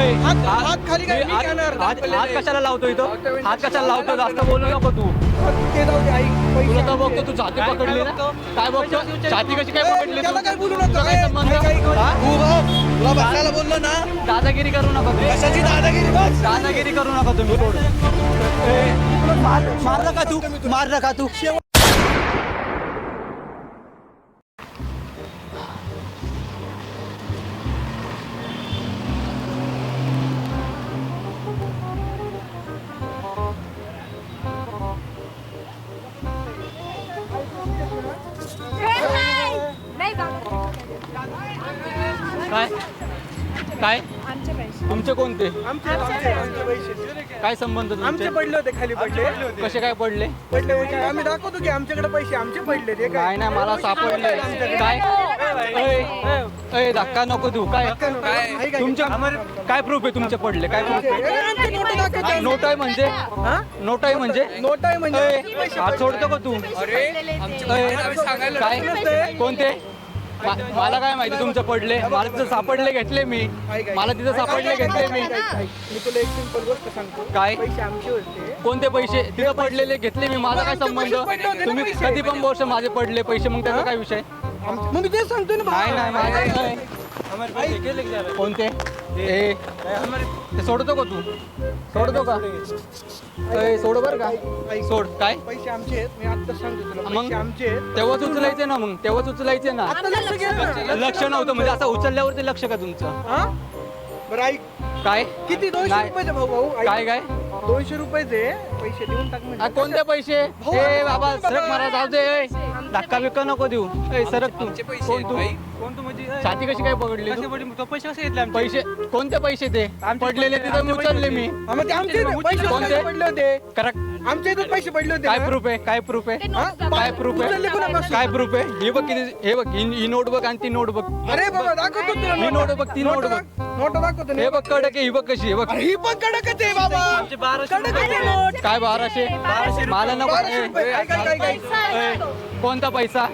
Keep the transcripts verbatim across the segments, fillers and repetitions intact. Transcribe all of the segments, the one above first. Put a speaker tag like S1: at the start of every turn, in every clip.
S1: हात खाली काय मी घेणार
S2: हात कशाला लावतो इथं? हात कशाला लावतो? जास्त बोलू नको तू.
S1: ते जाऊ दे ऐक
S2: तुला तर
S1: पैसे
S2: बघतो तू छाती पकडली ना. काय बघतो? छाती कशी काय पकडली तू?
S1: त्याला काय बोलू नका.
S2: तुझा काय संबंध? हा?
S1: तुला बसायला बोललो ना.
S2: दादागिरी करू नका तुम्ही.
S1: कशाची दादागिरी बस.
S2: दादागिरी करू नका तुम्ही थोडं.
S1: मार मार नका तू मार नका तू
S2: काय काय
S3: आमचे पैसे
S2: तुमचे कोणते?
S1: आमचे आमचे आमचे पैसे
S2: काय संबंध
S1: आमचे
S2: तुमचे?
S1: पडले होते खाली पडले
S2: कसे काय पडले?
S1: पडले म्हणजे आम्ही दाखवतो की आमच्याकडे पैसे आमचे पडले ते
S2: नाही नाही मला सापडले. काय अय, अय, धक्का नको देऊ. काय तुमचे काय प्रूफ आहे तुमचे पडले? काय प्रूफ आहे? नोट आहे म्हणजे नोट आहे म्हणजे
S1: नोट आहे म्हणजे
S2: अय, हात सोडतो का तू? अय, काय कोणते? मा- मला काय माहिती तुमचे पडले? मला तिथं सापडले घेतले मी. मला तिथं सापडले घेतले मी.
S1: मी तुला एक सिंपल गोष्ट सांगतो
S2: काय?
S1: पैसे आमचे होते
S2: कोणते पैसे? तिथं पडलेले घेतले मी. माझा काय संबंध? तुम्ही कधी पण वर्ष माझे पडले पैसे, मग त्याचा काय विषय?
S1: आमचे- मग मी तेच सांगतोय ना
S2: नाही नाही माझे नाही. कोणते? ए ते सोडतो का तू? सोडतो का? ए, सोड बर का? सोड. काय
S1: पैसे आमचे आहेत मी आता सांगतो तुला
S2: मग?
S1: पैसे आमचे आहेत
S2: तेव्हाच उचलायचे ना. मग तेव्हाच उचलायचे ना.
S1: आता लक्ष घे ना.
S2: लक्ष नव्हतं म्हणजे असं उचलल्यावरती लक्ष का तुमचं?
S1: हा बरं ऐक
S2: काय
S1: किती दोनशे
S2: नाही.
S1: रुपयाचे भाऊ भाऊ ऐक.
S2: काय काय
S1: दोनशे रुपयाचे पैसे देऊन टाक
S2: आ,
S1: म्हणजे
S2: कोणते पैसे? ए बाबा सरक मारा जाऊ दे. ए, धक्का बिक्का नको देऊ. ए सरक तू. कोण तू?
S4: कोण तू म्हणजे
S2: छाती कशी काय पकडली तू?
S4: तो पैसे कसे घेतले आमचे?
S2: पैसे कोणते पैसे ते पडलेले तिथं मी उचलले मी.
S1: हा, मग ते आमचे पैसे
S2: कोणते?
S1: कोणते पडले होते
S2: करेक्ट.
S1: आमच्या इथून पैसे पडले होते
S2: काय
S1: ना?
S2: प्रूफ आहे? काय प्रूफ आहे?
S1: हा?
S2: काय प्रूफ
S1: उचलले
S2: आहे?
S1: कोणापासून?
S2: काय प्रूफ आहे? हे बघ किती. हे बघ ही ही नोट बघ आणि ती नोट बघ.
S1: अरे बाबा दाखवतो तुला
S2: ही नोट बघ, ती नोट बघ.
S1: नोट दाखवतो ना.
S2: हे बघ कडक आहे. ही बघ कशी आहे बघ.
S1: अरे ही पण कडकच आहे बाबा
S4: आमचे बाराशे
S1: कडक आहे नोट
S2: काय बाराशे? मला नको.
S1: बाराशे
S2: ए,
S1: रुपये. काय काय काय काय
S2: ए, कोणता पैसा?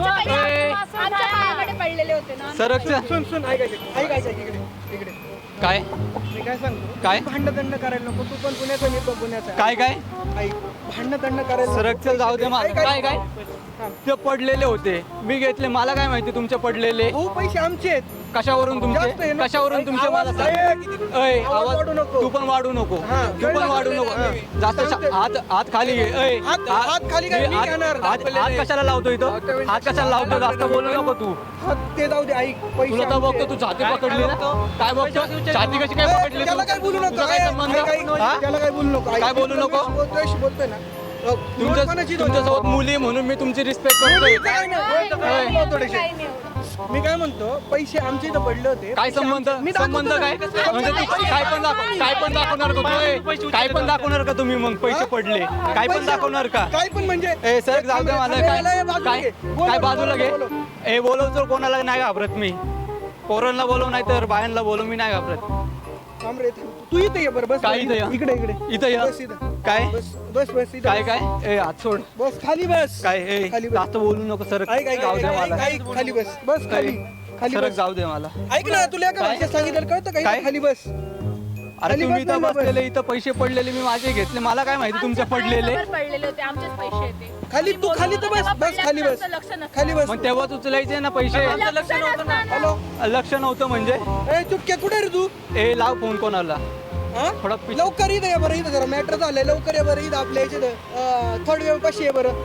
S2: ए,
S3: आमच्या पायाकडे पडलेले होते ना.
S2: सरक चल.
S1: सुन सुन ऐक ऐक ऐक ऐक ऐक, इकडे इकडे
S2: काय
S1: मी काय सांगतो
S2: काय?
S1: भांडदंड करायला नको तू पण पुण्याचा मी पण पुण्याचा
S2: काय काय?
S1: ऐक भांडदंड करायला नको.
S2: सरक चल जाऊ दे मला.
S1: ऐक, ऐक.
S2: काय काय?
S1: हा.
S2: ते पडलेले होते मी घेतले. मला काय माहिती तुमचे पडलेले?
S1: भाऊ पैसे आमचे आहेत
S2: कशावरून
S1: जास्त आहे
S2: तुमचे?
S1: ना.
S2: कशावरून
S1: ऐक,
S2: तुमचे मला
S1: आवाज
S2: सांग.
S1: ऐक.
S2: अय,
S1: आवाज
S2: आवाज
S1: वाढू नको.
S2: तू पण वाढू नको.
S1: हा,
S2: तू पण
S1: कळलं,
S2: वाढू
S1: कळलं.
S2: नको.
S1: हा.
S2: जास्त
S1: चालतंय.
S2: हात हात खाली घे. अय,
S1: हात- हात खाली काय? मी
S2: हात-
S1: घेणार.
S2: हात हात कशाला लावतो इथं? हात कशाला लावतो? जास्त बोलू नको तू.
S1: हा, ते जाऊ दे ऐक पैसे
S2: तुला तर
S1: आमचे
S2: बघतो
S1: आहेत.
S2: तू छाती पकडली ना. काय बघतो? छाती कशी काय
S1: ए,
S2: पकडली
S1: त्याला
S2: तू?
S1: काय बोलू नको
S2: तुझा काय
S1: ऐक,
S2: संबंध?
S1: ऐक, ऐक.
S2: हा?
S1: त्याला काय बोलू नको ऐक.
S2: काय बोलू
S1: मी
S2: नको?
S1: तुला बोलतोय बोलतोय ना बघ,
S2: तुमच्या
S1: नोट कोणाची
S2: तुमच्यासोबत मुली म्हणून मी तुमची रिस्पेक्ट करतोय.
S1: काय नाही, बोलतो काय,
S2: अय.
S1: बोलतो थोडेसे.
S3: काही नाही एवढं.
S1: मी काय म्हणतो पैसे आमच्या इथं पडले होते
S2: काय
S1: पैसे
S2: संबंध?
S1: आमचे- मी दाखवतो
S2: संबंध
S1: ना.
S2: काय? म्हणजे तू काय पण दाखव काय पण दाखवणार का तू? ए, काय पण दाखवणार का तुम्ही मग पैसे पडले? काय पण
S1: पैसे-
S2: दाखवणार का?
S1: काय पण म्हणजे
S2: ए सर जाऊ दे मला.
S1: थांबे,
S2: काय
S1: थांबे, बाजूला
S2: काय
S1: घे. बोलो,
S2: काय बाजूला घे.
S1: बोलो, बोलो.
S2: ए बोलवतो कोणाला नाही घाबरत मी. पोरांना बोलव नाही तर बायांना बोलव. मी नाही घाबरत.
S1: थांब रे थांब. तू इथे ये बरं बस
S2: काय इथं या?
S1: इकडे इकडे
S2: इथं या.
S1: बस इथं
S2: काय
S1: बस बस बस इथं
S2: काय
S1: बस.
S2: काय? ए हात सोड.
S1: बस खाली बस
S2: काय ए
S1: खाली बस.
S2: जास्त बोलू नको सर.
S1: ऐक ऐक
S2: जाऊ
S1: ऐक,
S2: दे
S1: ऐक,
S2: मला.
S1: ऐक, खाली बस बस खाली खाली
S2: सरक
S1: बस
S2: जाऊ दे मला.
S1: ऐक ना तुला एका
S2: काय?
S1: भाषेत सांगितलं कळतं का
S2: काय?
S1: इथं खाली बस
S2: अरे
S1: खाली
S2: तुम्ही
S1: बस
S2: इथं
S1: ना, बस.
S2: बसलेले इथं पैसे पडलेले मी माझे घेतले. मला काय माहिती तुमचे
S3: आमच्या
S2: पडलेले?
S3: पायावर पडलेले होते आमचेच पैसे येते.
S1: खाली तू खाली तर बस बस खाली बस
S3: लक्ष नसतं.
S1: खाली बस
S2: मग तेव्हाच उचलायचे ना पैसे.
S3: लक्ष नसतं ना.
S1: हॅलो
S2: लक्ष नव्हतं म्हणजे?
S1: ए चुपक्या कुठे रे तू
S2: ए लाव फोन कोणाला.
S1: हा?
S2: थोडा पिछ-
S1: लवकर इथं ये बरं इथं जरा मॅटर झालंय लवकर ये बरं इथं आपल्या याच्यात थर्ड वेव कशी आहे बरं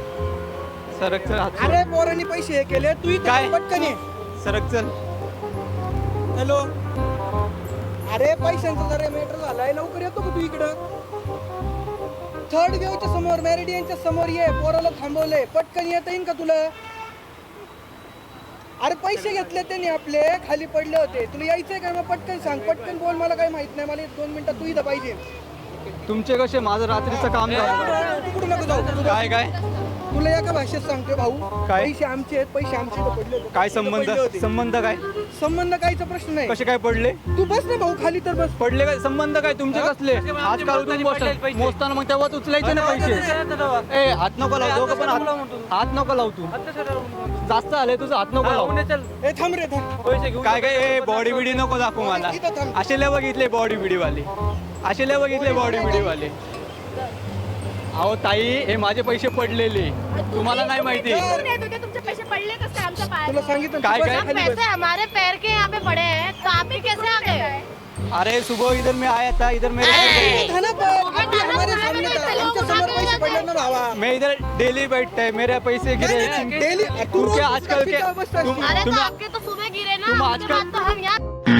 S2: सरक चल हात सोड.
S1: अरे पोरांनी पैसे हे केले तू इथं
S2: काय?
S1: पटकन ये
S2: सरक चल.
S1: हॅलो अरे पैशांचा जरा मॅटर झालाय लवकर येतो का तू इकडं थर्ड वेवच्या समोर मॅरिडियनच्या समोर ये पोराला थांबवलंय पटकन येता येईन का तुला अरे पैसे घेतले त्यांनी आपले खाली पडले होते तुला यायचंय काय मग पटकन सांग पटकन बोल मला काही माहित नाही मला एक दोन मिनिटात तू इथं पाहिजे
S2: तुमचे कसे माझं रात्रीचं काम झालं.
S1: तिकडून नको जाऊ
S2: काय काय
S1: तुला एका भाषेत सांगतोय भाऊ,
S2: काय?
S1: पैसे आमचे आहेत, पैसे आमचे इथं पडले होते.
S2: काय
S1: इथं पडले
S2: संबंध
S1: होते.
S2: संबंध काय
S1: संबंध कायचा प्रश्न नाही.
S2: कसे काय पडले
S1: तू बस ना भाऊ खाली तर बस.
S2: पडले काय संबंध काय तुमचे कसले आजकाल तुम्ही
S4: पडले
S2: बसता-
S4: पैसे.
S2: मोजताना मग तेव्हाच उचलायचे ना पैसे ए हात नको लाव दोघं पण हात हात नको लाव तू जास्त आले तुझं हात नको लाव
S1: ए थांब रे थांब.
S4: पैसे घेऊन
S2: काय काय ए बॉडी बिडी नको दाखवू मला
S1: इथं थांब.
S2: असे लय बघितले बॉडी बिडी वाले असे लय बघितले बॉडी बिडी वाले अहो ताई हे माझे पैसे पडलेले तुम्हाला नाही माहिती
S3: तुम्ही नाही तुझे तुमचे पैसे पडले कसं आमच्या
S1: तुला
S3: पायात
S1: सांगितलं ना,
S2: काय
S1: तू बस
S2: काय?
S1: खाली बस.
S5: पैसे हमारे पैर के यहाँ पे पड़े हैं तो आप ही कैसे आ गए?
S2: अरे सुबह इधर मैं आया था इधर मेरे
S1: था ना पण, अभी हमारे सामने था. आमच्या समोर पैसे पडले ना भावा.
S2: मैं इधर डेली बैठता है मेरे पैसे गिरे
S1: नहीं, नहीं, डेली तू
S2: तुम
S1: रोज
S2: क्या
S1: उसका
S2: आजकल के
S1: पीछा बसता
S2: तुम
S1: है.
S5: अरे तो
S2: तुम
S5: आपके तो सुबह गिरे ना,
S2: तुम
S5: उसके
S2: आजकल-
S5: बाद तो हम यहाँ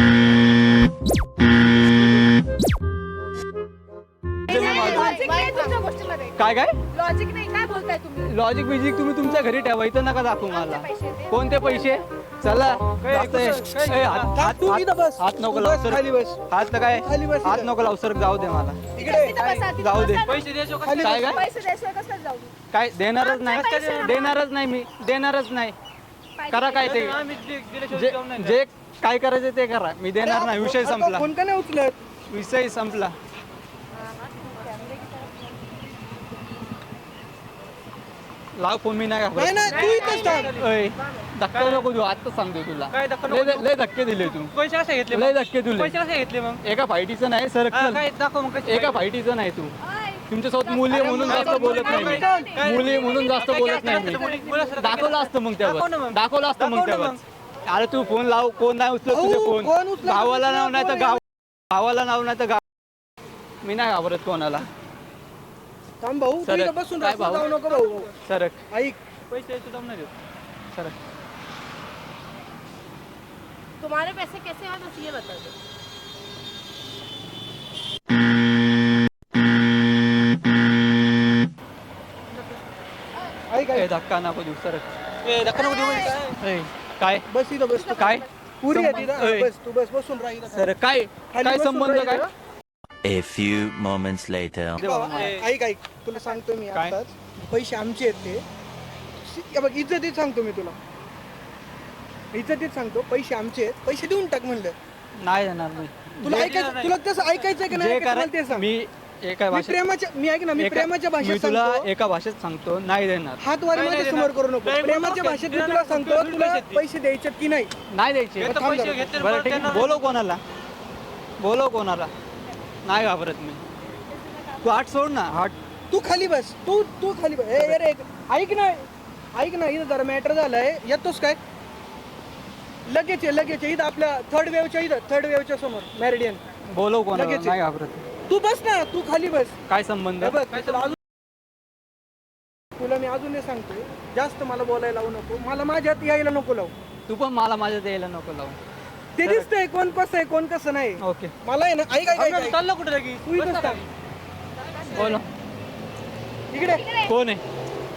S3: लॉजिक नाही तुमच्या गोष्टीमध्ये.
S2: काय काय
S3: लॉजिक नाही, काय बोलताय तुम्ही?
S2: लॉजिक बिजिक तुम्ही तुमच्या घरी ठेवायचं नका दाखवू मला
S3: पैसे ते.
S2: कोणते पैसे चला जास्त आहे.
S4: काय-
S2: ए, हात-
S1: थांब, तू
S2: हात-
S1: इथं बस.
S2: हात नको
S1: तू
S2: लाव
S1: बस,
S2: सर
S1: खाली बस.
S2: हात काय
S1: खाली बस
S2: हात
S1: इथं.
S2: नको लाव सर जाऊ दे मला
S1: इकडे
S3: तिथं बसा, तिथं
S2: जाऊ दे.
S3: बसा ना.
S4: पैसे द्यायचो का?
S1: खाली
S2: काय
S1: बस.
S2: काय
S3: पैसे द्यायशिवाय कसं जाऊ?
S2: काय देणारच
S3: आमचे
S2: नाही
S3: पैसे
S2: देणारच नाही मी देणारच नाही
S3: पाहिजे.
S2: करा काय ते
S4: आम्ही दि- दिल्याशिवाय
S2: जे
S4: जाऊन नाही
S2: जे काय करायचं ते करा मी देणार नाही विषय
S1: अरे,
S2: संपला
S1: फोन का नाही उचलत?
S2: विषय संपला लाव फोन मी नाही
S1: नाही
S2: घाबरत.
S1: नाही तू इथंच थांब.
S2: अय, धक्का नको देऊ आता सांगतो तुला
S4: काय धक्का नको
S2: लय
S4: देऊ?
S2: लय धक्के दिले तू
S4: पैसे कसे घेतले
S2: लय
S4: मग?
S2: धक्के दिले
S4: पैसे कसे घेतले मग
S2: एका फायटीचं नाही सर
S4: हा, काय दाखव मग कसे
S2: एका फायटीचं नाही तू
S3: ओय,
S2: तुमच्यासोबत मुली आहे म्हणून जास्त बोलत नाही मी
S4: काय-
S2: मुली आहे म्हणून जास्त
S4: काय-
S2: बोलत
S4: काय
S2: नाही
S4: केलं असतं?
S2: मी
S4: मुली- मुलासोबत काय
S2: दाखवलं असतं मग
S4: दाखव ना
S2: तेव्हा
S4: मग.
S2: दाखवलं असतं मग
S4: दाखव ना
S2: तेव्हा अरे तू फोन लाव कोण नाही उचलत
S1: अहो,
S2: तुझे
S1: कोण
S2: फोन
S1: उचलत
S2: भावाला
S1: तुझं
S2: नाव नाही तर
S1: फोन?
S2: गाव भावाला नाव नाही तर गाव मी नाही घाबरत कोणाला
S1: थांब भाऊ तू
S2: सरक.
S1: इथं बसून
S2: काय
S1: रस्त्यावर
S2: भाऊ?
S1: जाऊ नको भाऊ.
S2: सरक
S1: ऐक
S4: पैसे सुद्धा नाही देत.
S2: सरक
S5: तुम्हारे पैसे कैसे हैं बस ये बता दो.
S1: ऐक
S2: ए,
S1: ऐक
S2: धक्का नको देऊ सरक
S4: ए, धक्का नको देऊ म्हणजे काय?
S2: ए, काय
S1: बस इथं बस तू.
S2: काय
S1: पुरी आहे तिथं.
S2: ऐ.
S1: बस तू बस बसून राह इथं.
S2: सर काय
S1: खाली
S2: काय
S1: बसून
S2: संबंध
S1: राह
S2: काय
S1: इथं.
S6: A few moments later.
S1: बाबा, ऐक ऐक तुला सांगतो मी
S2: काय?
S1: आताच पैसे आमचे आहेत ते हे बघ इज्जतीत सांगतो मी तुला इज्जतीत सांगतो पैसे आमचे आहेत पैसे देऊन टाक म्हणलं
S2: नाही देणार मी
S1: तुला
S2: जे-
S1: ऐकायचं तुला तसं ऐकायचं की नाही
S2: जे
S1: ऐकायचं
S2: करा
S1: मला ते सांग
S2: मी एका
S1: मी
S2: भाषेत
S1: प्रेमाच्या मी ऐक ना मी
S2: एका-
S1: प्रेमाच्या
S2: मी
S1: भाषेत
S2: तुला
S1: सांगतो
S2: एका भाषेत सांगतो नाही देणार
S1: हात वारी
S4: नाही,
S1: माझ्या
S4: नाही,
S1: समोर
S4: नाही.
S1: करू नको
S4: नाही,
S1: प्रेमाच्या
S4: नाही,
S1: भाषेत मी
S4: नाही,
S1: तुला
S4: नाही,
S1: सांगतो
S4: नाही,
S1: तुला
S4: नाही,
S1: पैसे द्यायचे की नाही
S2: नाही द्यायचे
S4: हे तर
S1: थांब
S4: पैसे
S1: जरा.
S4: घेतले
S2: बरं
S4: परत
S2: ठीक आहे
S4: त्यांना-
S2: बोलव कोणाला बोलव कोणाला नाही घाबरत मी तू आठ सोड ना आठ
S1: तू खाली बस तू तू खाली बस ए अरे ऐक- ऐक ना ऐक ना इथं जरा मॅटर झालंय येतोस काय लगेच ये लगेच ये. इथं आपल्या थर्ड वेवच्या इथं थर्ड वेवच्या समोर मॅरिडियन
S2: बोलव कोणाला
S1: लगेच ये.
S2: नाही घाबरत
S1: तू बस ना तू खाली बस
S2: काय संबंध
S1: हे बघ तुला अजून तुला मी अजून हे सांगतोय जास्त मला बोलायला लावू नको मला माझ्यात यायला नको लावू
S2: तू पण मला माझ्या द्यायला नको लावू
S1: ते दिसतंय कोण कसं आहे कोण कसं नाही
S2: ओके
S1: मला आहे ना ऐक ऐक ऐक,
S4: आपण
S1: ऐक
S4: चाललो कुठे लगेच?
S1: तू इथंच
S4: बस
S1: थांब.
S2: बोलो
S1: इकडे
S2: कोण आहे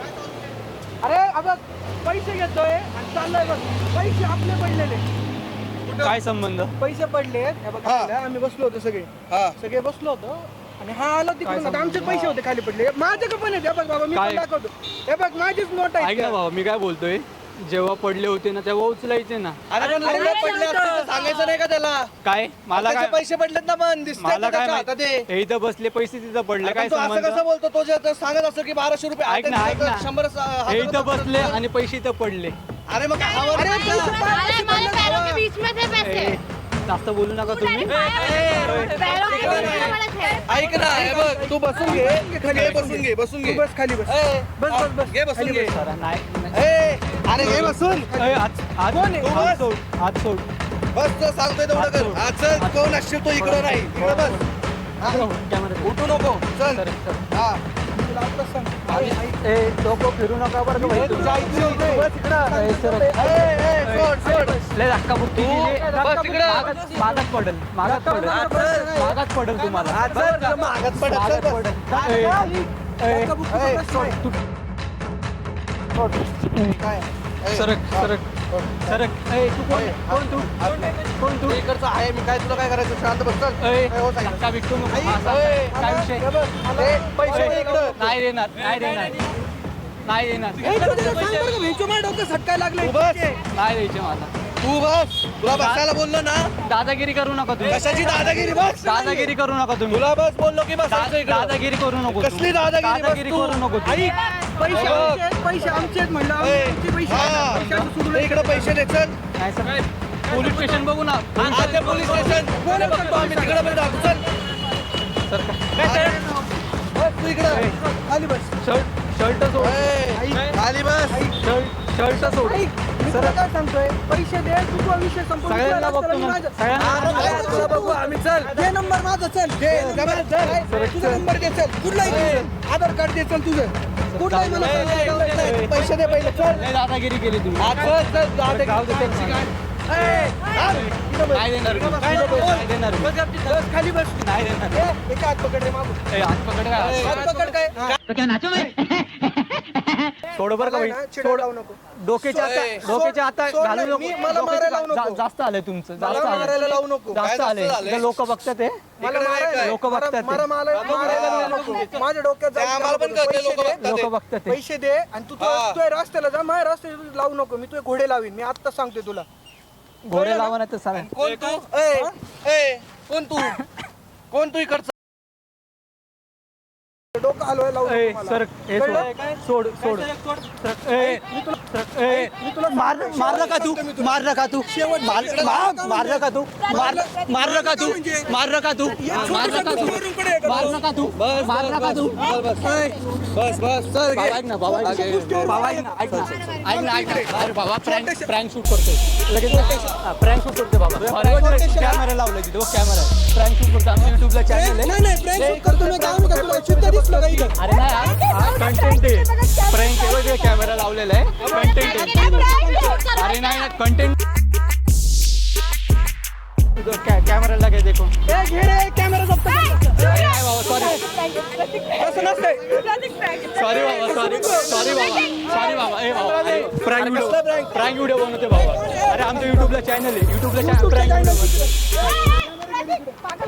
S1: अरे अबघ पैसे घेतोय आणि चाललोय बघ पैसे आपले पडलेले
S2: काय संबंध
S1: पैसे पडले हे बघ आपल्याला, आम्ही बसलो होतो सगळे सगळे बसलो होतो आणि हा आलो तिकडून आता आमचे पैसे होते खाली पडले माझे का पण आहेत हे बघ बाबा मी पण
S2: काय?
S1: दाखवतो हे बघ माझीच नोट
S2: ऐक
S1: आहे
S2: ना बाबा मी काय बोलतोय जेव्हा पडले होते ना तेव्हा उचलायचे ना
S1: अरे पण
S3: अरे,
S1: लवकर
S3: अरे,
S1: पडले असते तर सांगायचं नाही का त्याला
S2: काय मला काय
S1: पैसे पडलेत ना पण दिसतंय
S2: मला
S1: का
S2: काय
S1: त्याच्या हातात
S2: माहिती?
S1: ते?
S2: हे इथं बसले पैसे तिथं पडले
S1: अरे
S2: काय
S1: पण तू असं
S2: संबंध
S1: कसं बोलतो तो जे आता सांगत असतो की बाराशे रुपये
S2: ऐक ना ऐक ना
S1: शंभर
S2: हे इथं बसले आणि पैसे इथं पडले
S1: अरे मग हवा
S5: अरे हमारे पैरों के बीच में थे पैसे.
S2: ए, जास्त बोलू नका तुम्ही
S5: पैरों के बीच में पड़े थे.
S1: ऐक ना हे बघ तू बसून घे खाली बसून घे बसून घे बस खाली बस बस बस बस घे बसून घे
S2: जरा नाही नाही.
S1: अरे घे बसून
S2: ए, हात हात
S1: कोण आहे? तू
S2: हात
S1: बस.
S2: सोड हात सोड
S1: बस तर सांगतोय तेवढं कर हा चल कोण असशील तो इकडं नाही इकडं बस
S2: कॅमेरा
S1: उठू नको चल
S2: सर सर
S1: हा तुला आत्ताच सांग
S2: ए डोकं फिरू नका बरं का भाई
S1: तुझ्या
S2: तुम्ही.
S1: आईची बस इकडं
S2: ए, सर.
S1: ए, ए, सोड सोड
S2: लय धक्का बुक्की केली.
S1: बस इकडं.
S2: मागात मागात पडेल मागात पडेल मागात पडेल तुम्हाला
S1: हा, चल, तुला मागात पडत, चल,
S2: मागात
S1: बस.
S2: पडेल.
S1: हा,
S2: ए,
S1: खाली.
S2: ए,
S1: ए, सोड.
S2: तू
S1: काय ए,
S2: सरक सरक सरक ए तू कोण कोण तू कोण तू
S1: इकडचं आहे मी काय तुला काय करायचं शांत बस चल
S2: ए,
S1: ए, हो, सांगितलं.
S2: धक्का बिकटू नको.
S1: आई,
S2: हा,
S1: ए,
S2: काय विषय
S1: हे बघ, मला पैसे
S2: ए,
S1: दे इकडं
S2: नाही देणार नाही देणार नाही देणार
S1: ए, तू त्याला सांग बरं का, भेंचो माझ्या डोकं सटकाय लागले
S2: नाही द्यायचे मला
S7: तू बस तुला बसायला बोललो ना
S2: दादागिरी करू नका तुम्ही
S7: कशाची दादागिरी बस
S2: दादागिरी करू नका तुम्ही
S7: तुला बस बोललो की बस
S2: दा- दादागिरी करू नको तू.
S7: कसली दादागिरी बस
S2: दादागिरी
S7: तू?
S2: करू नको तू.
S1: पैसे आमचे आहेत, पैसे आमचे आहेत म्हणलं
S7: ए,
S1: आमचे पैसे
S7: हा.
S1: पैशाचं सुरू
S7: ते इकडे पैसे दे चल
S2: नाही सर पोलीस स्टेशन बघू ना
S7: आता पोलीस स्टेशन कोणी बघतो आम्ही तिकडे पण जातो चल
S2: सर काय
S7: बस तू इकडे
S1: खाली बस
S2: शर्ट शर्ट सोड
S7: ए, खाली बस
S2: शर्ट शर्ट सोड
S1: ऐक, मी तुला काय सांगतोय पैसे दे तू तो विषय संपवून
S2: सगळ्यांना
S1: तुला
S2: बघतो
S1: रस्त्याला
S2: मग.
S1: माझं-
S2: सगळ्यांना
S1: काय तुला बघू आम्ही चल दे नंबर माझा चल दे नंबर चल तुझा नंबर दे चल कुठला आधार कार्ड दे चल तुझं कुठला आहे मला सांग. पैसे दे पहिले चल
S2: लय दादागिरी केली तुम्ही
S7: चल चल दादा
S2: जाऊ दे टॅक्सी
S1: ए, आण. इथं बस.
S2: नाही देणार मी.
S1: काय नको?
S2: नाही देणार मी.
S1: बस गपचीत, बस खाली बस
S2: नाही देणार
S1: ए, एका हात पकड रे मागून
S2: ए, हात पकड काय
S1: हात पकड काय
S2: सोड बरं का
S1: मला
S2: भाई
S1: ना चिडायला लावू नको
S2: डोक्याच्या आता
S7: सोड-
S2: डोक्याच्या आता
S1: सोड
S2: घालू
S1: नाही,
S2: नको
S1: मी- मला
S2: डोक्याच्या
S1: मारायला लावू
S2: जा-
S1: नको.
S2: जास्त आलंय तुमचं
S1: मला
S2: जास्त
S1: मारायला
S2: आलंय
S1: लावू नको
S2: जास्त
S7: जास्त
S2: आलंय
S7: झालंय?
S2: लोक बघतात ते
S1: मला
S7: इकडे नाही
S1: मारायला
S7: काय?
S2: लोक बघतात ते.
S1: मला मारायला मारायला लावू नको माझ्या डोक्यात
S7: ते
S1: जाऊ
S7: आम्हाला पण
S1: नको.
S7: कळतंय,
S1: पैसे
S7: लोकं
S1: दे.
S7: बघतात.
S2: लोक बघतात ते
S1: पैसे दे आणि तू
S7: हा.
S1: तुझ्या रस्त्याला जा माझ्या रस्त्याला लावू नको मी तुझे घोडे लावीन मी आता सांगतोय तुला
S2: घोडे लावा नाही तर सांगा
S7: कोण तू ए ए कोण तू कोण तू इकडचं
S1: डोकं हलवायला लावू
S2: ए,
S1: नको मला.
S2: सर हे सोड सोड सोड सर, ए, सर, ए, मार मारलं का तू मारलं का तू मार- मार- मारलं का तू मार- मारलं का तू मारलं का तू मारलं का तू मारलं का तू मारलं का तू
S7: बस बस चल
S2: बाबा ऐक ना बाबा ऐक ना. बाबा ऐक ना ऐक ना ऐक ना ऐक ना अरे बाबा प्रँक प्रँक शूट करतोय लगेच प्रँक शूट करतोय बाबा कॅमेरा लावलाय तिथे कॅमेरा प्रँक शूट करतो आमच्या युट्यूबला चॅनल आहे
S1: नाही नाही prank shoot करतो मी काय म्हणू का तुला शुद्ध दिसलं का इथं?
S2: अरे नाही हा कंटेंट आहे प्रँक आहे वगैरे कॅमेरा लावलेला आहे कंटेंट आहे अरे नाही ना कंटेंट कॅमेराला काय देखो
S1: ए, घे रे कॅमेरा जप्त कर.
S2: अरे नाही बाबा सॉरी
S1: असं नसतंय
S2: सॉरी बाबा सॉरी सॉरी बाबा सॉरी बाबा ए बाबा प्रँक व्हिडिओ प्रँक व्हिडिओ बनवते बाबा अरे आमच्या युट्यूबला चॅनल आहे युट्यूबला प्रँक व्हिडिओ